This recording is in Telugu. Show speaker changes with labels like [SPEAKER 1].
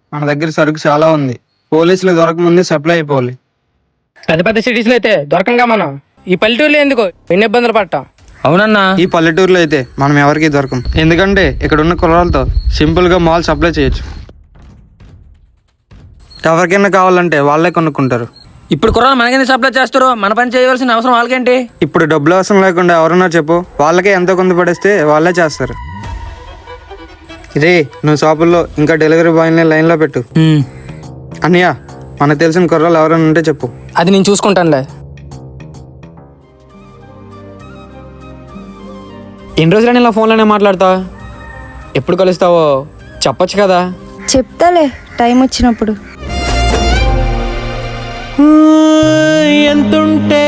[SPEAKER 1] మన దగ్గర సరుకు చాలా ఉంది. పోలీసులు దొరకముందే సప్లై అయిపోవాలి.
[SPEAKER 2] పెద్ద పెద్ద సిటీస్లో అయితే దొరకంగా మనం. ఈ పల్లెటూరులో ఎందుకు ఎన్ని ఇబ్బందులు పడటం.
[SPEAKER 3] అవునన్నా.
[SPEAKER 1] ఈ పల్లెటూరులో అయితే మనం ఎవరికి దొరకం. ఎందుకంటే ఇక్కడ ఉన్న కుర్రాలతో సింపుల్ గా మాల్ సప్లై చేయొచ్చు. ఎవరికైనా కావాలంటే వాళ్ళే కొనుక్కుంటారు.
[SPEAKER 3] ఇప్పుడు కుర్రాలు మనకెందుకు సప్లై చేస్తారు? మన పని చేయవలసిన అవసరం వాళ్ళకేంటి?
[SPEAKER 1] ఇప్పుడు డబ్బులు అవసరం లేకుండా ఎవరన్నా చెప్పు, వాళ్ళకే ఎంతో కొంత పడేస్తే వాళ్ళే చేస్తారు. ఇదే నువ్వు షాపుల్లో ఇంకా డెలివరీ బాయ్ని లైన్లో పెట్టు. అన్నయ్య, మనకు తెలిసిన కుర్రాలు ఎవరైనా ఉంటే చెప్పు.
[SPEAKER 2] అది నేను చూసుకుంటానులే.
[SPEAKER 4] ఎన్ని రోజులని ఇలా ఫోన్లోనే మాట్లాడతా? ఎప్పుడు కలుస్తావో చెప్పొచ్చు కదా.
[SPEAKER 5] చెప్తాలే టైం వచ్చినప్పుడు.
[SPEAKER 6] ఎంతుంటే